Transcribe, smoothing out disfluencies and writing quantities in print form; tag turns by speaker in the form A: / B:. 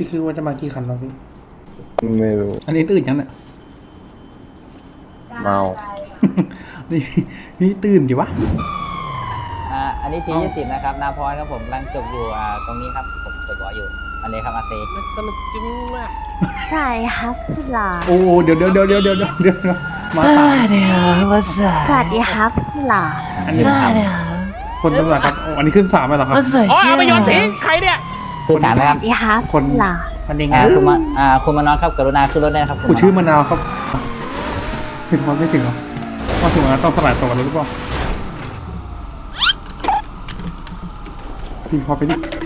A: พี่คิดว่าจะมากี่คันวะพี่
B: ไม่รู้
A: อันนี้ตื่นยังเนี่ย
B: เมา
A: นี่ตื่นดิวะ
C: อันนี้ที20นะครับนาพรครับผมกำลังจบอยู่ตรงนี้ครับผมจบรออยู่อันนี้ครับอาเซ
D: มันสนุกจังเลย
E: ใช่ครับสลา
A: โอ้เดี๋ยวมาสาม
E: สวัสดีครับสลา
A: อันนี้คนตำรวจครับโอ้อันนี้ขึ้น3ไปเหรอครับ
D: อ๋อเอาไปโยนทิ้งใครเนี่ย
C: คือถามนะ
E: ส
C: ครั
E: วั
C: บ
E: สดีครับ
A: คน
E: สลา
A: อันนี้ไง
C: คุณมานอนครับกรุณาขึ้นรถได้นะครับ
A: กูชื่อมะนาวครับพี่ทอดไม่ถึงเหรอมาถึงแล้วต้องสลายตัวกันหรือเปล่าพี่พอไปดิ